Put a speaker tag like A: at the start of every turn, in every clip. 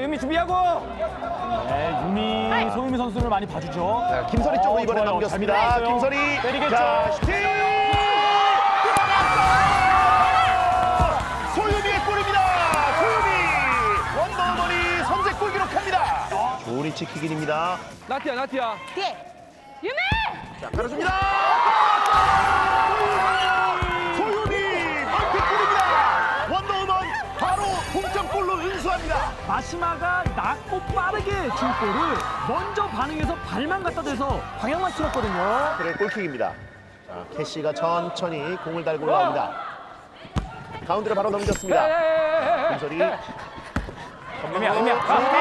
A: 유미 준비하고.
B: 네, 유미, 소유미 선수를 많이 봐주죠.
C: 자, 김설이 쪽으로 이번에
B: 좋아요.
C: 넘겼습니다.
B: 잘 밀었어요.
C: 김설이.
B: 때리겠죠.
C: 자, 슈팅! 소유미의 골입니다. 소유미. 원더우먼이 선제골 기록합니다. 좋은 위치 킥인입니다.
A: 나티야.
D: 뒤에. 유미!
C: 자, 깔아줍니다. 소유미 멀티골입니다. 원더우먼 바로 동점골로 은수합니다.
B: 마시마가 낮고 빠르게 줄 골을 먼저 반응해서 발만 갖다 대서 방향만 틀었거든요.
C: 그래 골킥입니다. 자, 캐시가 천천히 공을 달고 올라옵니다. 가운데로 바로 넘겼습니다. 김설이.
B: 유미야.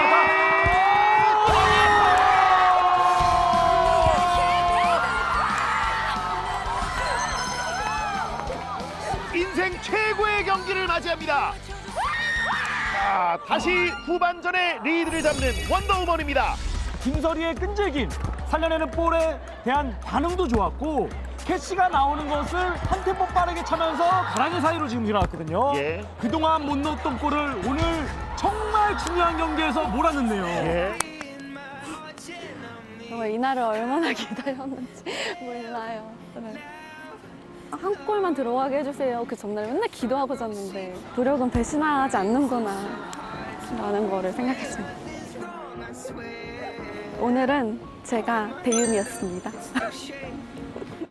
C: 인생 최고의 경기를 맞이합니다. 자, 다시 후반전에 리드를 잡는 원더우먼입니다.
B: 김설이의 끈질김, 살려내는 볼에 대한 반응도 좋았고 캐시가 나오는 것을 한 템포 빠르게 차면서 가랑이 사이로 지금 일어났거든요.
C: 예.
B: 그동안 못 넣었던 골을 오늘 정말 중요한 경기에서 몰아넣네요.
C: 예.
D: 정말 이날을 얼마나 기다렸는지 몰라요. 네. 한 골만 들어가게 해주세요. 그 전날 맨날 기도하고 잤는데 노력은 배신하지 않는구나 라는 거를 생각했습니다. 오늘은 제가 배윤이었습니다.